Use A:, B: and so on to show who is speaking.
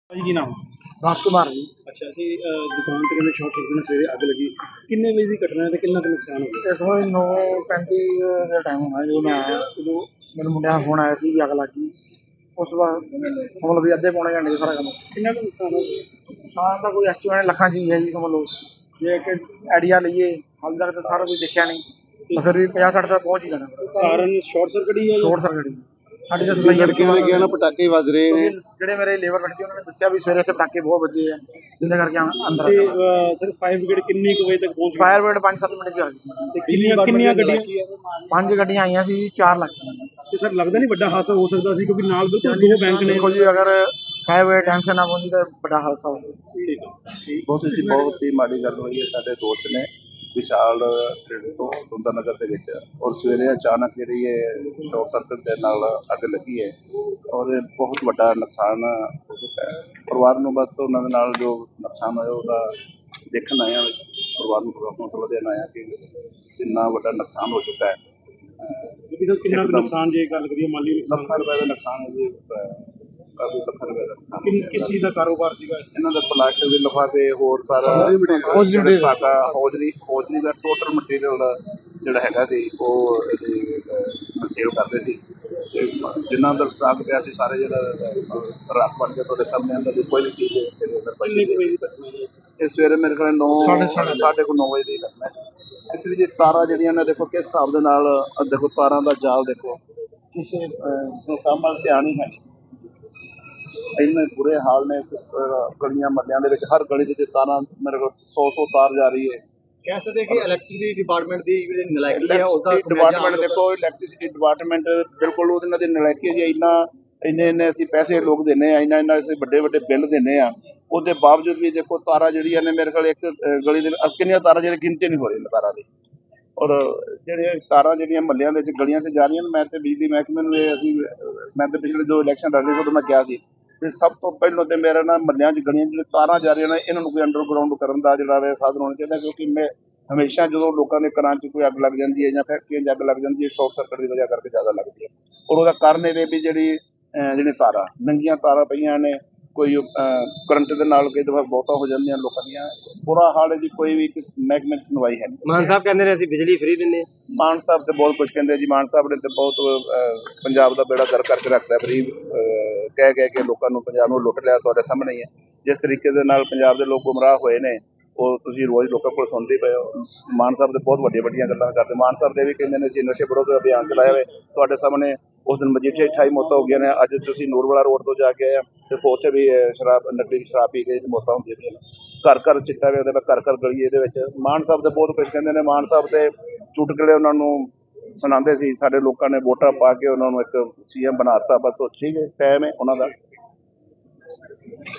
A: ਭਾਜੀ ਕੀ ਨਾਮ?
B: ਰਾਜਕੁਮਾਰ ਜੀ।
A: ਅੱਛਾ ਜੀ, ਦੁਕਾਨ ਤੇ ਕਹਿੰਦੇ ਸ਼ਾਰਟ ਸਰਕਟ ਨਾਲ ਸਵੇਰੇ ਅੱਗ ਲੱਗੀ। ਕਿੰਨੇ ਵਜੇ ਦੀ ਘਟਨਾ ਹੈ ਤੇ ਕਿੰਨਾ ਕੁ ਨੁਕਸਾਨ ਹੋ ਗਿਆ?
B: ਇਸ ਵੇਲੇ 9:35 ਦਾ ਟਾਈਮ ਹੋਣਾ ਜਦੋਂ ਮੈਂ ਆਇਆ। ਉਦੋਂ ਮੈਨੂੰ ਮੁੰਡਿਆਂ ਦਾ ਫੋਨ ਆਇਆ ਸੀ ਵੀ ਅੱਗ ਲੱਗ ਗਈ। ਉਸ ਤੋਂ ਬਾਅਦ ਸਮਝ ਲਓ ਵੀ ਅੱਧੇ ਪੌਣੇ ਘੰਟੇ 'ਚ ਸਾਰਾ ਕੰਮ।
A: ਕਿੰਨਾ ਕੁ ਨੁਕਸਾਨ ਹੋ ਗਿਆ?
B: ਨੁਕਸਾਨ ਦਾ ਕੋਈ ਐਸਟੀਮੇਟ ਲੱਖਾਂ 'ਚ ਹੀ ਹੈ ਜੀ, ਸਮਝ ਲਓ। ਜੇ ਇੱਕ ਆਈਡੀਆ ਲਈਏ, ਹਾਲੇ ਤੱਕ ਤਾਂ ਸਾਰਾ ਕੁਝ ਦੇਖਿਆ ਨਹੀਂ, ਤਾਂ ਫਿਰ ਵੀ 50-60 ਤੱਕ ਪਹੁੰਚ ਹੀ ਜਾਣਾ।
A: ਕਾਰਨ ਸ਼ਾਰਟ ਸਰਕਟ ਹੀ ਹੈ ਜਾਂ
B: ਸ਼ੋਰਟ ਸਰਕਟ ਸਾਡੀ ਤਾਂ
C: ਜੋ ਲੜਕੇ ਨੇ ਕਿਹਾ ਨਾ ਪਟਾਕੇ ਵੱਜ ਰਹੇ ਨੇ।
B: ਜਿਹੜੇ ਮੇਰੇ ਲੇਬਰ ਲੜਕੇ ਉਹਨਾਂ ਨੇ ਦੱਸਿਆ ਵੀ ਸਵੇਰੇ ਇੱਥੇ ਪਟਾਕੇ ਬਹੁਤ ਵੱਜੇ ਆ, ਜਿਹਦੇ ਕਰਕੇ ਅੰਦਰ
A: ਤੇ ਸਰ ਫਾਇਰ ਬ੍ਰਿਗੇਡ ਕਿੰਨੀ ਕੁ ਵਜੇ ਤੱਕ ਪਹੁੰਚ ਗਈ?
B: ਫਾਇਰ ਬ੍ਰਿਗੇਡ 5-7 ਮਿੰਟ 'ਚ ਆ ਗਈ ਸੀ।
A: ਤੇ ਕਿੰਨੀਆਂ ਗੱਡੀਆਂ?
B: 5 ਗੱਡੀਆਂ ਆਈਆਂ ਸੀ, 4 ਲੱਗ ਗਈਆਂ।
A: ਤੇ ਸਰ ਲੱਗਦਾ ਨਹੀਂ ਵੱਡਾ ਹਾਦਸਾ ਹੋ ਸਕਦਾ ਸੀ, ਕਿਉਂਕਿ ਨਾਲ ਬਿਲਕੁਲ ਦੋ ਬੈਂਕ ਨੇ।
B: ਦੇਖੋ ਜੀ, ਅਗਰ ਫਾਇਰ ਬ੍ਰਿਗੇਡ ਟੈਂਸ਼ਨ ਨਾ ਪਹੁੰਚੀ ਤਾਂ ਵੱਡਾ ਹਾਦਸਾ ਹੋ
A: ਠੀਕ ਹੈ।
C: ਬਹੁਤ ਹੀ ਮਾੜੀ ਗੱਲ ਹੋਈ ਹੈ। ਸਾਡੇ ਦੋਸਤ ਨੇ ਵਿਸ਼ਾਲ ਪਿੰਡ ਤੋਂ ਸੁੰਦਰ ਨਗਰ ਦੇ ਵਿੱਚ, ਔਰ ਸਵੇਰੇ ਅਚਾਨਕ ਜਿਹੜੀ ਹੈ ਸ਼ਾਰਟ ਸਰਕਟ ਦੇ ਨਾਲ ਅੱਗ ਲੱਗੀ ਹੈ, ਔਰ ਇਹ ਬਹੁਤ ਵੱਡਾ ਨੁਕਸਾਨ ਹੋ ਚੁੱਕਾ ਹੈ। ਪਰਿਵਾਰ ਨੂੰ ਬਸ ਉਹਨਾਂ ਦੇ ਨਾਲ ਜੋ ਨੁਕਸਾਨ ਹੋਇਆ ਉਹਦਾ ਦੇਖਣ ਆਇਆ, ਪਰਿਵਾਰ ਨੂੰ ਹੌਸਲਾ ਦੇਣ ਆਇਆ ਕਿ ਇੰਨਾ ਵੱਡਾ ਨੁਕਸਾਨ ਹੋ ਚੁੱਕਾ ਹੈ।
A: ਕਿੰਨਾ ਕੁ ਨੁਕਸਾਨ ਜੇ ਗੱਲ ਕਰੀਏ ਮਾਲੀ ਨੁਕਸਾਨ?
C: ਲੱਖਾਂ ਰੁਪਏ ਦਾ ਨੁਕਸਾਨ ਹੈ ਜੀ, ਕਾਫੀ ਲੱਖਾਂ ਰੁਪਏ ਦਾ ਨੁਕਸਾਨ।
A: ਕਿਸ ਚੀਜ਼ ਦਾ ਕਾਰੋਬਾਰ ਸੀਗਾ?
C: ਇਹਨਾਂ ਦਾ ਪਲਾਸਟਿਕ ਦੇ ਲਿਫਾਫੇ, ਹੋਰ ਸਾਰਾ ਖਾਤਾ, ਹੌਜ਼ਰੀ ਦਾ ਟੋਟਲ ਮਟੀਰੀਅਲ ਜਿਹੜਾ ਹੈਗਾ ਸੀ ਉਹ ਸੇਲ ਕਰਦੇ ਸੀ। ਤੇ ਜਿੰਨਾ ਅੰਦਰ ਸਟਾਕ ਪਿਆ ਸੀ ਸਾਰੇ ਜਿਹੜਾ ਰੱਖ ਬਣ ਕੇ ਤੁਹਾਡੇ ਸਾਹਮਣੇ ਅੰਦਰ ਦੀ ਕੋਈ ਵੀ ਚੀਜ਼ ਇਹਦੇ ਅੰਦਰ ਬਚੀ ਨਹੀਂ। ਇਹ ਸਵੇਰੇ ਮੇਰੇ ਕੋਲ 9:30 ਵਜੇ ਦੀ ਘਟਨਾ ਹੈ। ਇਸ ਲਈ ਤਾਰਾਂ ਜਿਹੜੀਆਂ ਨੇ ਦੇਖੋ ਕਿਸ ਹਿਸਾਬ ਦੇ ਨਾਲ, ਦੇਖੋ ਤਾਰਾਂ ਦਾ ਜਾਲ ਦੇਖੋ, ਕਿਸੇ ਕੰਮ ਵੱਲ ਧਿਆਨ ਹੀ ਹੈ ਨਹੀਂ। ਇੰਨੇ ਬੁਰੇ ਹਾਲ ਨੇ ਗਲੀਆਂ ਮਹੱਲਿਆਂ ਦੇ ਵਿੱਚ, ਹਰ ਗਲੀ ਦੇ ਵਿੱਚ ਤਾਰਾਂ ਮੇਰੇ ਕੋਲ 100 ਤਾਰ ਜਾ ਰਹੀ ਹੈ।
B: ਕਹਿ ਸਕਦੇ ਕਿ ਇਲੈਕਟ੍ਰਿਸਿਟੀ ਡਿਪਾਰਟਮੈਂਟ ਦੀ ਜਿਹੜੀ ਨਲਾਇਕੀ ਹੈ
C: ਉਸਦਾ ਡਿਪਾਰਟਮੈਂਟ ਦੇਖੋ, ਇਲੈਕਟ੍ਰਿਸਿਟੀ ਡਿਪਾਰਟਮੈਂਟ ਬਿਲਕੁਲ ਉਹਨਾਂ ਦੀ ਨਲਾਇਕੀ ਜੀ। ਇੰਨੇ ਅਸੀਂ ਪੈਸੇ ਲੋਕ ਦਿੰਦੇ ਆ, ਇੰਨਾ ਅਸੀਂ ਵੱਡੇ ਬਿੱਲ ਦਿੰਦੇ ਆ, ਉਹਦੇ ਬਾਵਜੂਦ ਵੀ ਦੇਖੋ ਤਾਰਾਂ ਜਿਹੜੀਆਂ ਨੇ ਮੇਰੇ ਕੋਲ ਇੱਕ ਗਲੀ ਦੇ ਕਿੰਨੀਆਂ ਤਾਰਾਂ ਜਿਹੜੀ ਗਿਣਤੀ ਨਹੀਂ ਹੋ ਰਹੀ ਤਾਰਾਂ ਦੀ। ਔਰ ਜਿਹੜੀਆਂ ਤਾਰਾਂ ਜਿਹੜੀਆਂ ਮਹੱਲਿਆਂ ਦੇ ਵਿੱਚ ਗਲੀਆਂ 'ਚ ਜਾ ਰਹੀਆਂ ਨੇ, ਮੈਂ ਤੇ ਬਿਜਲੀ ਮਹਿਕਮੇ ਨੂੰ ਮੈਂ ਤੇ ਪਿਛਲੇ ਜੋ ਇਲੈਕਸ਼ਨ ਲੜ ਰਹੇ ਸੀ ਉਦੋਂ ਮੈਂ ਕਿਹਾ ਸੀ ਤੇ ਸਭ ਤੋਂ ਪਹਿਲਾਂ ਤੇ ਮੇਰਾ ਨਾ ਮਹੱਲਿਆਂ 'ਚ ਗਲੀਆਂ ਜਿਹੜੇ ਤਾਰਾਂ ਜਾ ਰਹੀਆਂ ਨੇ ਇਹਨਾਂ ਨੂੰ ਕੋਈ ਅੰਡਰਗਰਾਊਂਡ ਕਰਨ ਦਾ ਜਿਹੜਾ ਵੇ ਸਾਧਨ ਹੋਣਾ ਚਾਹੀਦਾ। ਕਿਉਂਕਿ ਮੈਂ ਹਮੇਸ਼ਾ ਜਦੋਂ ਲੋਕਾਂ ਦੇ ਘਰਾਂ 'ਚ ਕੋਈ ਅੱਗ ਲੱਗ ਜਾਂਦੀ ਹੈ ਜਾਂ ਫੈਕਟਰੀਆਂ 'ਚ ਅੱਗ ਲੱਗ ਜਾਂਦੀ ਹੈ, ਸ਼ਾਰਟ ਸਰਕਟ ਦੀ ਵਜ੍ਹਾ ਕਰਕੇ ਜ਼ਿਆਦਾ ਲੱਗਦੀ ਹੈ। ਔਰ ਉਹਦਾ ਕਾਰਨ ਇਹ ਵੀ ਜਿਹੜੀ ਤਾਰਾਂ ਨੰਗੀਆਂ ਤਾਰਾਂ ਪਈਆਂ ਨੇ, ਕੋਈ ਕਰੰਟ ਦੇ ਨਾਲ ਕਈ ਦਫਾ ਬਹੁਤਾ ਹੋ ਜਾਂਦੀਆਂ ਲੋਕਾਂ ਦੀਆਂ। ਬੁਰਾ ਹਾਲ ਹੈ ਜੀ, ਕੋਈ ਵੀ ਕਿਸ ਮਹਿਕਮੇ 'ਚ ਸੁਣਵਾਈ ਹੈ ਨਹੀਂ।
B: ਮਾਨ ਸਾਹਿਬ ਕਹਿੰਦੇ ਨੇ ਅਸੀਂ ਬਿਜਲੀ ਫ੍ਰੀ ਦਿੰਦੇ।
C: ਮਾਨ ਸਾਹਿਬ ਤੇ ਬਹੁਤ ਕੁਝ ਕਹਿੰਦੇ ਜੀ। ਮਾਨ ਸਾਹਿਬ ਨੇ ਤੇ ਬਹੁਤ ਪੰਜਾਬ ਦਾ ਬੇੜਾ ਗਰਕ ਕਰਕੇ ਰੱਖਦਾ, ਫ੍ਰੀ ਕਹਿ ਕੇ ਲੋਕਾਂ ਨੂੰ, ਪੰਜਾਬ ਨੂੰ ਲੁੱਟ ਲਿਆ। ਤੁਹਾਡੇ ਸਾਹਮਣੇ ਹੀ ਹੈ ਜਿਸ ਤਰੀਕੇ ਦੇ ਨਾਲ ਪੰਜਾਬ ਦੇ ਲੋਕ ਗੁੰਮਰਾਹ ਹੋਏ ਨੇ, ਉਹ ਤੁਸੀਂ ਰੋਜ਼ ਲੋਕਾਂ ਕੋਲ ਸੁਣਦੇ ਪਏ ਹੋ। ਮਾਨ ਸਾਹਿਬ ਦੇ ਬਹੁਤ ਵੱਡੀਆਂ ਗੱਲਾਂ ਕਰਦੇ। ਮਾਨ ਸਾਹਿਬ ਦੇ ਵੀ ਕਹਿੰਦੇ ਨੇ ਜੀ ਨਸ਼ੇ ਵਿਰੋਧ ਅਭਿਆਨ ਚਲਾਇਆ ਹੋਵੇ। ਤੁਹਾਡੇ ਸਾਹਮਣੇ ਉਸ ਦਿਨ ਮਜੀਠੇ 28 ਮੌਤਾਂ ਹੋ ਗਈਆਂ ਨੇ। ਅੱਜ ਤੁਸੀਂ ਨੂਰਵਾਲਾ ਰੋਡ ਤੋਂ ਜਾ ਕੇ ਆਏ ਦੇਖੋ, ਉੱਥੇ ਵੀ ਨਕਲੀ ਸ਼ਰਾਬ ਪੀ ਕੇ ਮੌਤਾਂ ਹੁੰਦੀਆਂ ਪਈਆਂ ਨੇ। ਘਰ ਚਿੱਟਾ ਵੇਚਦੇ ਨੇ, ਘਰ ਗਲੀ ਇਹਦੇ ਵਿੱਚ। ਮਾਨ ਸਾਹਿਬ ਦੇ ਬਹੁਤ ਕੁਝ ਕਹਿੰਦੇ ਨੇ। ਮਾਨ ਸਾਹਿਬ ਤੇ ਚੁਟਕਲੇ ਉਹਨਾਂ ਨੂੰ ਸੁਣਾਉਂਦੇ ਸੀ। ਸਾਡੇ ਲੋਕਾਂ ਨੇ ਵੋਟਾਂ ਪਾ ਕੇ ਉਹਨਾਂ ਨੂੰ ਇੱਕ CM ਬਣਾ ਦਿੱਤਾ। ਬਸ ਉਹ ਠੀਕ ਹੈ, ਟਾਈਮ ਹੈ ਉਹਨਾਂ ਦਾ।